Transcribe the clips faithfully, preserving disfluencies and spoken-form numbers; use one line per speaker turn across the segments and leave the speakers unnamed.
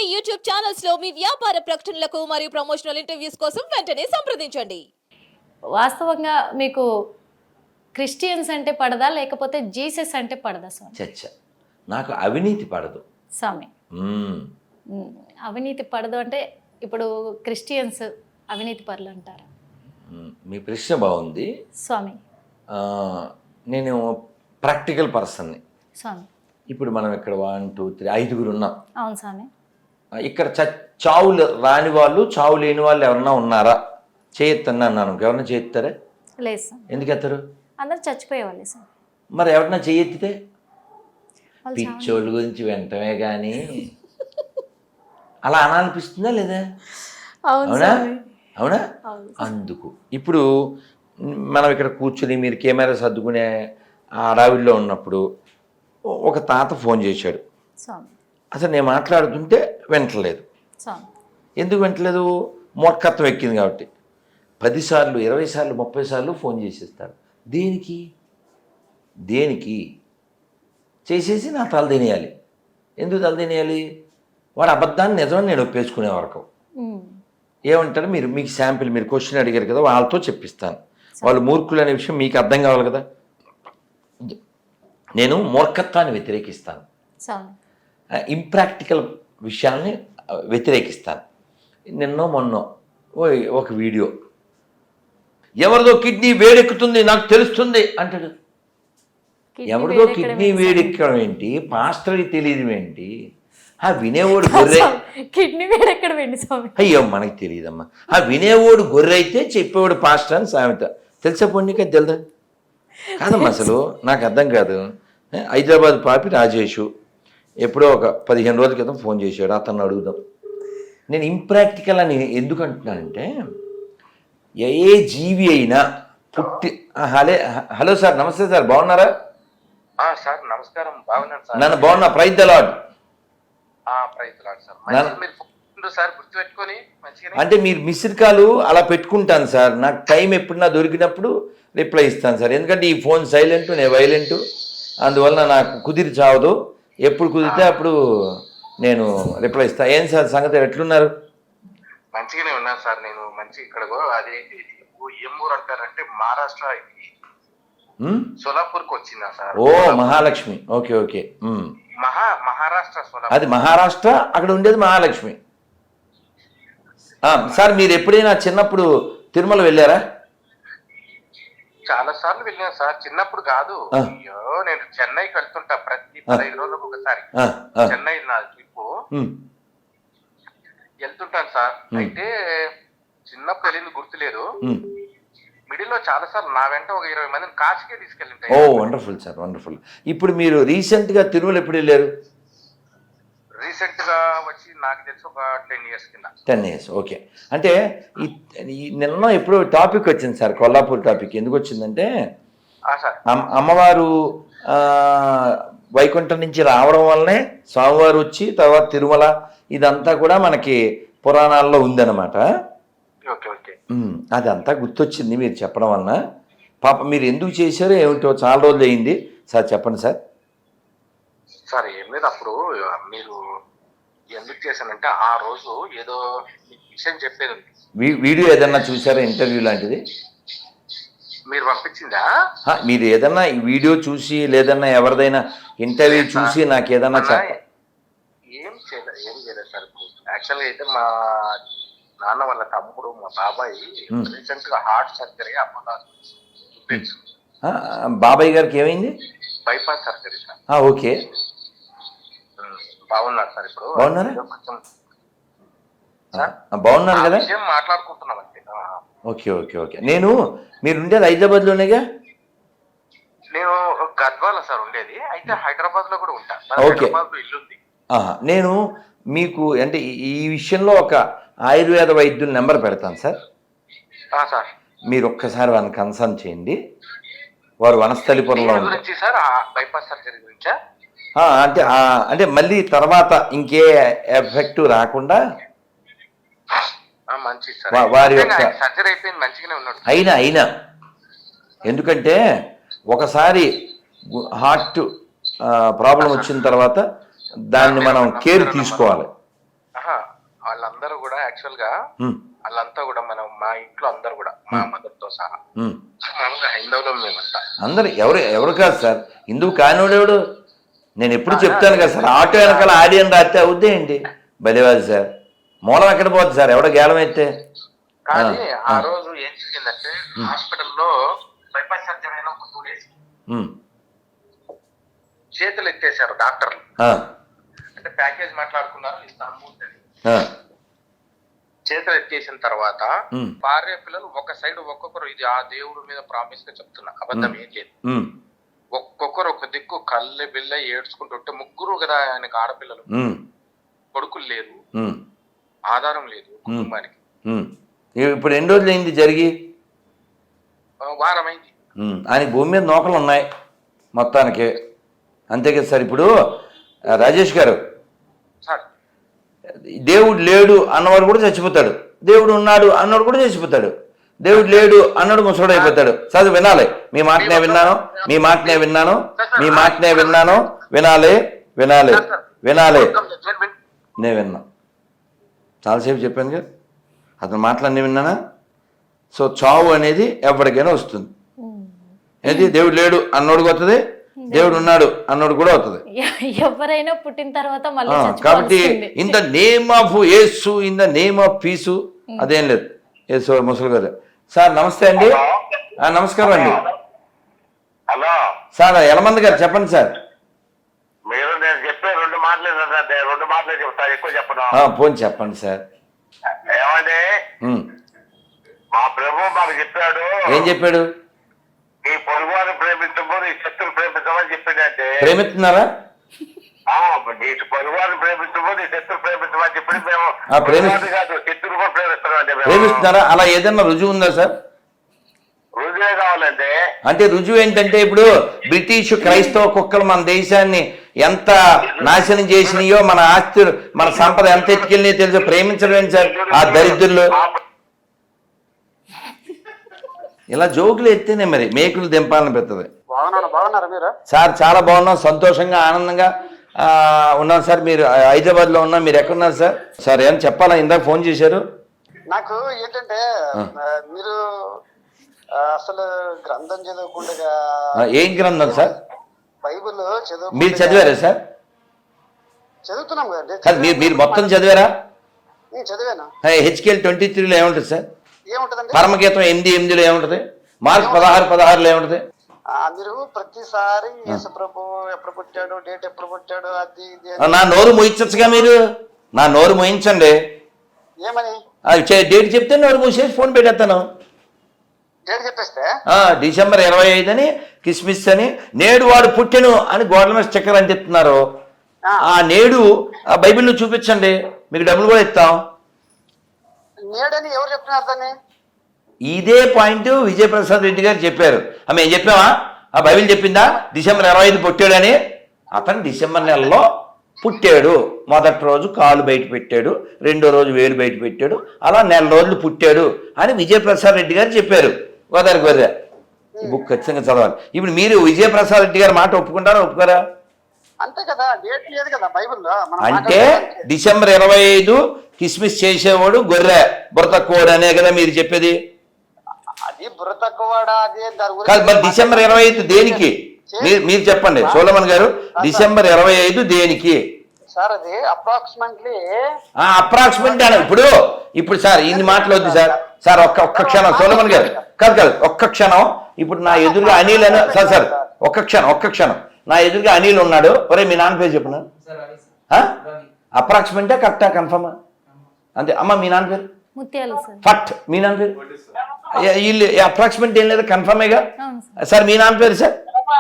YouTube channels లో మీ వ్యాపార ప్రకటనలకు మరియు ప్రమోషనల్ ఇంటర్వ్యూస్ కోసం వెంటనే సంప్రదించండి.
వాస్తవంగా మీకు క్రిస్టియన్స్ అంటే పడదా లేకపోతే జీసస్ అంటే పడదా స్వామి?
చచ్చ నాకు అవినీతి పడదు
స్వామి.
మ్మ్.
ఉమ్, అవినీతి పడదు అంటే ఇప్పుడు క్రిస్టియన్స్ అవినీతి పరులు అంటారా
మ్మ్. మీ ప్రశ్న బాగుంది.
స్వామి?
ఆ, నేను ప్రాక్టికల్ పర్సన్ని.
స్వామి.
ఇప్పుడు మనం ఇక్కడ వన్ టూ త్రీ ఐదుగురు ఉన్నాం.
అవును స్వామి.
ఇక్కడ చ చావు రాని వాళ్ళు చావు లేని వాళ్ళు ఎవరన్నా ఉన్నారా? చేయొత్తన్నా అన్నాను. ఎవరన్నా చేయెత్తారా?
లేదు స్వామి.
ఎందుకు ఎత్తారు?
అందరు చచ్చిపోయేవాళ్ళే స్వామి.
మరి ఎవరన్నా చేయెత్తితే
వాళ్ళు చావని-
పిచ్చోళ్ళ గురించి వెంటనే కానీ అలా అనాలనిపిస్తుందా లేదా?
అవును
అవునా
స్వామి.
అవునా?
అవును.
అందుకు ఇప్పుడు మనం ఇక్కడ కూర్చుని మీరు కెమెరా సర్దుకునే ఆ అడవిలో ఉన్నప్పుడు ఒక తాత ఫోన్ చేశాడు.
స్వామి.
అసలు నేను మాట్లాడుతుంటే వింటలేదు.
స్వామి.
ఎందుకు వింటలేదు? మూర్ఖత్వం ఎక్కింది కాబట్టి. పదిసార్లు ఇరవై సార్లు ముప్పై సార్లు ఫోన్ చేసేస్తాడు. దేనికి దేనికి చేసేసి నా తల తినేయాలి. ఎందుకు తల తినేయాలి? వాడు అబద్ధాన్ని నిజమని నేను ఒప్పేసుకునే వరకు
ఉమ్,
ఏమంటారు? మీరు మీకు శాంపిల్ మీరు క్వశ్చన్ అడిగారు కదా, వాళ్ళతో చెప్పిస్తాను. వాళ్ళు మూర్ఖులు అనే విషయం మీకు అర్థం కావాలి కదా. నేను మూర్ఖత్వాన్ని వ్యతిరేకిస్తాను,
స్వామి.
ఇంప్రాక్టికల్ విషయాల్ని వ్యతిరేకిస్తాను. నిన్నో మొన్నో ఓ ఒక వీడియో, ఎవరిదో కిడ్నీ వేడెక్కుతుంది నాకు తెలుస్తుంది అంటాడు.
కిడ్నీ
ఎవరిదో
వేడెక్కడం
కిడ్నీ
ఏంటి
వేడెక్కడం ఏంటి? పాస్టర్కి తెలియదు ఏంటి? ఆ వినేవాడు గొర్రె
స్వామి? కిడ్నీ వేడెక్కడం ఏంటి స్వామి?
అయ్యో మనకి తెలియదమ్మా. ఆ వినేవాడు గొర్రె అయితే చెప్పేవాడు పాస్టర్ అని సామెత. తెలుసా పొన్నిక తెలుదా? కాదమ్మా అసలు నాకు అర్థం కాదు. హైదరాబాద్ పాపి రాజేషు ఎప్పుడో ఒక పదిహేను రోజుల క్రితం ఫోన్ చేశాడు. అతన్ని అడుగుదాం. నేను ఇంప్రాక్టికల్ అని ఎందుకు అంటున్నానంటే, ఏ జీవి అయినా పుట్టి హలే హలో సార్, నమస్తే సార్, బాగున్నారా?
సార్ నమస్కారం, బాగున్నాను సార్.
నన్ను బాగున్నా, ప్రైజ్ ద లార్డ్.
ప్రయత్నాలు సార్ మంచిగా మీరు ఫోన్ సార్ గుర్తుపెట్టుకొని మంచిగా.
అంటే మీరు మిస్డ్ కాలు అలా పెట్టుకుంటాను సార్. నాకు టైం ఎప్పుడన్నా దొరికినప్పుడు రిప్లై ఇస్తాను సార్. ఎందుకంటే ఈ ఫోన్ సైలెంట్, నేను వైలెంట్, అందువలన నాకు కుదిరి చావదు. ఎప్పుడు కుదిరితే అప్పుడు నేను రిప్లై ఇస్తాను. ఏం సార్ సంగతి, ఎట్లున్నారు?
మంచిగానే ఉన్నాను సార్. నేను మంచి ఇక్కడ అదేంటి ఏం ఊరు అంటారంటే మహారాష్ట్ర సోలాపూర్ కి వచ్చిందా సార్?
ఓ మహాలక్ష్మి. Okay okay.
మహా మహారాష్ట్ర సోలాపూర్.
అది మహారాష్ట్ర, అక్కడ ఉండేది మహాలక్ష్మి. ఆ, సార్ మీరు ఎప్పుడైనా చిన్నప్పుడు తిరుమల వెళ్ళారా?
చాలా సార్లు వెళ్ళాను సార్. చిన్నప్పుడు కాదు,
ఆ.
అయ్యో నేను చెన్నైకి వెళ్తుంటా ప్రతి పదహైదు రోజులకు ఒకసారి.
ఆ, ఆ,
చెన్నై నా ట్రిప్
ఉమ్,
వెళ్తుంటాను సార్. అయితే చిన్నప్పుడు వెళ్ళింది గుర్తులేదు.
ఉమ్.
మిడిల్ లో చాలా సార్లు నా వెంట ఒక ఇరవై మందిని కాశీకే
ఓ
తీసుకెళ్ళింటాయి.
Wonderful sir, wonderful. ఇప్పుడు మీరు రీసెంట్గా తిరుమల ఎప్పుడు వెళ్ళారు?
రీసెంట్ గా వచ్చి నాకు తెలిసి ఒక టెన్ ఇయర్స్ కింద.
Ten years okay. అంటే ఈ ఈ నిన్న ఎప్పుడు టాపిక్ వచ్చింది సార్, కొల్లాపూర్ టాపిక్. ఎందుకు వచ్చిందంటే,
ఆ సార్
అమ్- అమ్మవారు ఆ, వైకుంఠం నుంచి రావడం వల్లనే స్వామివారు వచ్చి తర్వాత తిరుమల ఇదంతా కూడా మనకి పురాణాల్లో ఉందన్నమాట.
ఓకే ఓకే
ఉమ్, అదంతా గుర్తొచ్చింది మీరు చెప్పడం వలన. పాప మీరు ఎందుకు చేశారో ఏమిటో చాలా రోజులు అయింది సార్, చెప్పండి సార్.
సార్ ఏం లేదు, అప్పుడు మీరు ఎందుకు చేశానంటే ఆ రోజు ఏదో మీకు విషయం చెప్పేది ఉంది.
వీ- వీడియో ఏదన్నా చూసారా, ఇంటర్వ్యూ లాంటిది?
మీరు పంపించిందా?
హా, మీరు ఏదన్నా ఈ వీడియో చూసి లేదన్నా ఎవరిదైనా ఇంటర్వ్యూ చూసి నాకు ఏదన్నా
అలా
చెప్ప.
ఏం చేయలేదు ఏం చేయలేదు సార్. యాక్చువల్గా అయితే మా నాన్న వాళ్ళ తమ్ముడు మా బాబాయ్ రీసెంట్ గా హార్ట్ సర్జరీ అపోలో
ఆ, బాబాయ్ గారికి ఏమైంది?
Bypass surgery sir.
ఆ, ఓకే.
ఉమ్, బాగున్నారు సార్ ఇప్పుడు.
బాగున్నారా?
ఏదో కొంచెం
ఆ, బాగున్నారు
ఆ
కదా?
విషయం మాట్లాడుకుంటున్నాం అంతే. ఆ.
Okay okay okay. నేను మీరు ఉండేది హైదరాబాద్లోనేగా?
నేను గద్వాల సార్ ఉండేది. అయితే హైదరాబాద్ లో కూడా ఉంటా.
ఓకే.
హైదరాబాద్ లో ఇల్లు ఉంది.
ఆహా, నేను మీకు అంటే ఈ- ఈ విషయంలో ఒక ఆయుర్వేద వైద్యుల నెంబర్ పెడతాను సార్.
ఆ సార్
మీరు ఒక్కసారి వాళ్ళని కన్సల్ట్ చేయండి. వారు వనస్థలిపురంలో
దీని
ఉంటారు.
గురించి సార్ ఆ బైపాస్ సర్జరీ గురించా?
ఆ, అంటే ఆ, అంటే మళ్ళీ తర్వాత ఇంకే ఎఫెక్ట్ రాకుండా
ఆ, మంచిది సార్.
వా- వారి యొక్క-
సర్జరీ అయిపోయింది, మంచిగానే ఉన్నాడు.
అయినా అయినా ఎందుకంటే ఒకసారి హార్ట్ ప్రాబ్లం వచ్చిన తర్వాత దాన్ని మనం కేర్ తీసుకోవాలి.
యాక్చువల్ గా
ఉమ్,
వాళ్ళంతా కూడా మనం మా ఇంట్లో అందరు కూడా మా మదర్ తో సహా
ఉమ్.
మామూలుగా హైందవులో మేమంతా.
అందరు ఎవరు ఎవరు కాదు సార్, హిందువు కానివాడెవడు? నేను ఎప్పుడు చెప్తాను కదా సార్, ఆటో వెనకాల ఆడియన్ రాస్తే అవుద్దే ఏంటి బలివాది సార్, మూలం ఎక్కడ పోద్ది సార్, ఎవడో గేలం అయితే.
కానీ ఆ రోజు ఏం జరిగిందంటే హాస్పిటల్లో బైపాస్ సర్జరీ అయిన ఒక టూ డేస్
ఉమ్,
చేతులు ఎత్తేసారు డాక్టర్లు.
ఆ,
అంటే ప్యాకేజ్ మాట్లాడుకున్నారు ఇస్తాము అని.
ఆ,
చేతులు ఎత్తేసిన తర్వాత
ఉమ్,
భార్య పిల్లలు ఒక సైడ్ ఒక్కొక్కరు, ఇది ఆ దేవుడి మీద ప్రామిస్ గా చెప్తున్నా, అబద్ధం ఏం లేదు,
ఉమ్,
ఒక్కొక్కరు ఒక దిక్కు కళ్ళె బిల్ల ఏడ్చుకుంటుంటే, ముగ్గురు కదా ఆయనకు ఆడపిల్లలు,
ఉమ్,
కొడుకులు లేరు,
ఉమ్,
ఆధారం లేదు కుటుంబానికి.
ఉమ్. ఇప్పుడు ఎన్ని రోజులు అయింది జరిగి?
ఆ, వారం అయింది.
ఉమ్, ఆయనకి భూమి మీద నూకలు ఉన్నాయి మొత్తానికి, అంతే కదా సార్. ఇప్పుడు ఆ, రాజేష్ గారు,
సార్
దేవుడు లేడు అన్నవాడు కూడా చచ్చిపోతాడు, దేవుడు ఉన్నాడు అన్నవాడు కూడా చచ్చిపోతాడు, దేవుడు లేడు అన్నాడు ముసడు అయిపోతాడు. చదువు వినాలి, మీ మాటనే విన్నాను, మీ మాటనే విన్నాను, మీ మాటనే విన్నాను, వినాలి వినాలి వినాలి. నేను విన్నా, చాలాసేపు చెప్పాను కదా, అతను మాటలన్నీ విన్నానా. సో చావు అనేది ఎవరికైనా వస్తుంది. ఏది దేవుడు లేడు అన్నోడికి వస్తుంది, దేవుడు ఉన్నాడు అన్నోడు కూడా అవుతుంది.
ఎవరైనా పుట్టిన తర్వాత మళ్ళీ
కాబట్టి
చచ్చిపోవాల్సిందే.
In the name of Yesu, in the name of peace, అదేం లేదు. యేసు ముసలి గారు సార్ నమస్తే అండి. ఆ, నమస్కారం అండి.
హలో
సార్ యలమంది గారు చెప్పండి సార్.
మీరు నేను చెప్పే రెండు మాటలే సార్, రెండు మాటలే చెప్తాను, ఎక్కువ చెప్పను.
ఆ, పోనీ చెప్పండి సార్.
ఏమండి,
ఉమ్,
మా ప్రభు మాకు చెప్పాడు,
ఏం చెప్పాడు?
నీ పొరుగువారిని ప్రేమించము, నీ శత్రువుని ప్రేమించమని చెప్పిందంటే,
ప్రేమిస్తున్నారా?
నీ పొరుగువారిని ప్రేమించము, నీ శత్రువు ప్రేమించమని చెప్పి మేము
ఆ, ప్రేమి-
పొరుగువారిని కాదు శత్రువు కూడా ప్రేమిస్తున్నాం అండి. మేము
ప్రేమిస్తున్నారా? అలా ఏదైనా రుజువు ఉందా సార్?
రుజువే కావాలండి.
అంటే రుజువు ఏంటంటే, ఇప్పుడు బ్రిటిష్ క్రైస్తవ కుక్కలు మన దేశాన్ని ఎంత నాశనం చేసినాయో, మన ఆస్తులు మన సంపద ఎంత ఎత్తుకెళ్ళినాయో తెలుసు. ప్రేమించడం ఏంటి సార్ ఆ దరిద్రులు? ఇలా జోకులు ఎత్తేనే మరి మేకులు దింపాలని పెడుతుంది.
బాగున్నాను, బాగున్నారా మీరు?
సార్ చాలా బాగున్నాం, సంతోషంగా ఆనందంగా ఆ, ఉన్నాం సార్. మీరు హైదరాబాద్లో ఉన్నా, మీరు ఎక్కడున్నారు సార్? సార్ ఏం చెప్పాలా, ఇందాక ఫోన్ చేశారు.
నాకు ఏంటంటే ఆ, మీరు ఆ, అసలు గ్రంథం చదవకుండా
ఆ, ఏం గ్రంథం సార్?
బైబిల్ చదువు
మీరు చదివారా సార్?
చదువుతున్నాం కదండి.
కాదు, మీరు మీరు మొత్తం చదివారా?
నేను చదివాను.
హెచ్కేఎల్ ట్వంటీ త్రీలో ఏముంటుంది సార్?
ఏముంటదండి?
పరమగీతం ఎనిమిది ఎనిమిదిలో ఏముంటుంది? మార్క్ పదహారు పదహారులో ఏముంటుంది?
ఆ, మీరు ప్రతిసారి యేసు ప్రభు ఎప్పుడు పుట్టాడు, డేట్ ఎప్పుడు పుట్టాడు, అది ఇది
ఆ,
అని.
నా నోరు మోయించచ్చుగా మీరు, నా నోరు మోయించండి.
ఏమని
అది చే- డేట్ చెప్తే నోరు మూసేసి ఫోన్ పెట్టేస్తాను.
డేట్ చెప్పేస్తే
ఆ, డిసెంబర్ ఇరవై ఐదు అని కిస్మిస్ అని, నేడు వాడు పుట్టెను అని గోడల మీద స్టిక్కర్ అంటిస్తున్నారు.
ఆ.
ఆ నేడు ఆ బైబిల్లో చూపించండి, మీకు డబ్బులు కూడా ఇస్తాం.
నేడని ఎవరు చెప్తున్నారు దాన్ని?
ఇదే పాయింట్ విజయప్రసాద్ రెడ్డి గారు చెప్పారు. ఆ, మేము చెప్పామా? ఆ బైబిల్ చెప్పిందా డిసెంబర్ ఇరవై ఐదు పుట్టాడని? అతను డిసెంబర్ నెలలో పుట్టాడు. మొదటి రోజు కాలు బయట పెట్టాడు, రెండో రోజు వేలు బయట పెట్టాడు, అలా నెల రోజులు పుట్టాడు అని విజయప్రసాద్ రెడ్డి గారు చెప్పారు. గోదావరి గొర్రె ఈ బుక్ ఖచ్చితంగా చదవాలి. ఇప్పుడు మీరు విజయప్రసాద్ రెడ్డి గారి మాట ఒప్పుకుంటారా ఒప్పుకోరా?
అంతే కదా, డేట్ లేదు కదా బైబిల్లో. మనం
అంటే
మాట్లాడుకోవడానికి.
డిసెంబర్ ఇరవై ఐదు కిస్మిస్ చేసేవాడు గొర్రె, బుర్ర కోడ్ అనే కదా మీరు చెప్పేది?
అది బుర్ర తక్కువడా, అది దాని గురించి
కాదు, మరి డిసెంబర్ ఇరవై ఐదు దేనికి? మీరు మీరు చెప్పండి సోలమన్ గారు, డిసెంబర్ ఇరవై ఐదు దేనికి?
సార్ అది అప్రాక్సిమేట్లీ
అప్రాక్సిమేట్ అని ఇప్పుడు ఇప్పుడు సార్ ఇన్ని మాటలు వద్దు సార్. సార్ ఒక్క ఒక్క క్షణం సోలమన్ గారు, కాదు కాదు ఒక్క క్షణం. ఇప్పుడు నా ఎదురుగా అనిల్ అని, సార్ సార్ ఒక్క క్షణం ఒక్క క్షణం నా ఎదురుగా అనిల్ ఉన్నాడు. ఒరే మీ నాన్న పేరు చెప్పిన అప్రాక్సిమేటా కరెక్టా కన్ఫర్మా? అంతే అమ్మ, మీ నాన్న పేరు
ముత్యాలు సార్.
ఫట్, మీ నాన్న పేరు వీళ్ళు అప్రాక్సిమేట్ ఏం లేదు, కన్ఫర్మేగా.
అవును సార్.
సార్ మీ నాన్న పేరు సార్?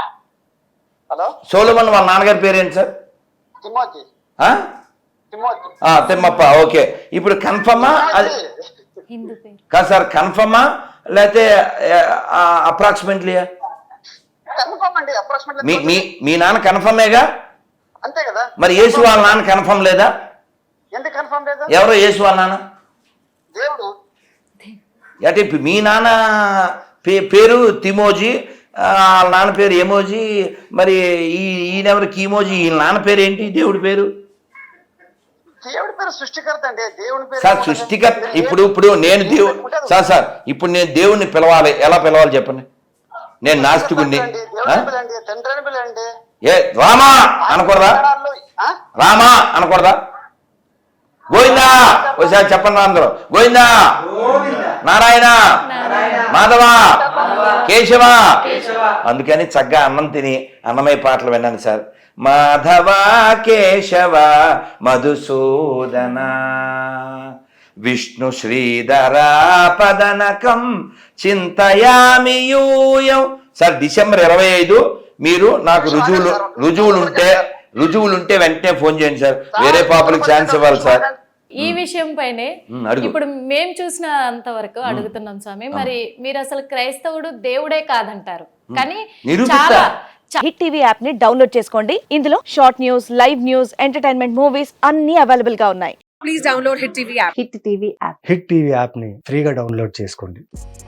హలో
సోలమన్ వాళ్ళ నాన్నగారి పేరు ఏంటి సార్?
తిమోతి
ఆ?
తిమోతి
ఆ, తిమ్మప్ప. ఓకే, ఇప్పుడు కన్ఫర్మా అది
హిందూ పేరు.
కాదు సార్, కన్ఫర్మా లేకపోతే అప్రాక్సిమేట్లీ?
కన్ఫర్మ్ అండి, అప్రాక్సిమేట్లీ.
మీ మీ మీ నాన్న కన్ఫర్మేగా?
అంతే కదా.
మరి యేసు వాళ్ళ నాన్న కన్ఫర్మ్ లేదా?
ఎందుకు కన్ఫర్మ్ లేదు?
ఎవరో యేసు వాళ్ళ నాన్న
దేవుడు.
అంటే ఇప్పుడు మీ నాన్న పే పేరు తిమోజీ, ఆ, వాళ్ళ నాన్న పేరు ఎమోజీ, మరి ఈ ఈయనెవరు కీమోజీ, వీళ్ళ నాన్న పేరు ఏంటి దేవుడి పేరు?
దేవుడి పేరు సృష్టికర్త అండి, దేవుడి పేరు
సార్ సృష్టికర్త ఇప్పుడు ఇప్పుడు నేను దేవు సార్ సార్ ఇప్పుడు నేను దేవుణ్ణి పిలవాలి, ఎలా పిలవాలి చెప్పండి? నేను నాస్తికుణ్ణి.
దేవుడిని పిలండి, తండ్రిని పిలండి.
ఏ రామా అనకూడదా?
ఆ?
రామా అనకూడదా? గోవిందా ఒకసారి చెప్పండి అందరూ. గోవిందా, నారాయణ, మాధవ, కేశవ. అందుకని చక్కగా అన్నం తిని అన్నమయ్య పాటలు విన్నాను సార్. మాధవ కేశవ మధుసూదన విష్ణు శ్రీధర పదనకం చింతయామి యూయం. సార్ డిసెంబర్ ఇరవై ఐదు మీరు నాకు రుజువులు రుజువులు ఉంటే రుజువులు ఉంటే వెంటనే ఫోన్ చేయండి సార్. వేరే పాపలకు ఛాన్స్ ఇవ్వాలి సార్.
ఈ విషయం పైనే
ఉమ్, అడుగు.
ఇప్పుడు మేము చూసిన అంతవరకు అడుగుతున్నాం స్వామి. మరి మీరు అసలు క్రైస్తవుడు దేవుడే కాదంటారు, కానీ
నిరూపిస్తా.
చాలా
హిట్ టీవీ యాప్ ని డౌన్లోడ్ చేసుకోండి. ఇందులో short news, live news, entertainment movies అన్ని అవైలబుల్ గా ఉన్నాయి.
హిట్ టీవీ యాప్ని ఫ్రీగా డౌన్లోడ్ చేసుకోండి.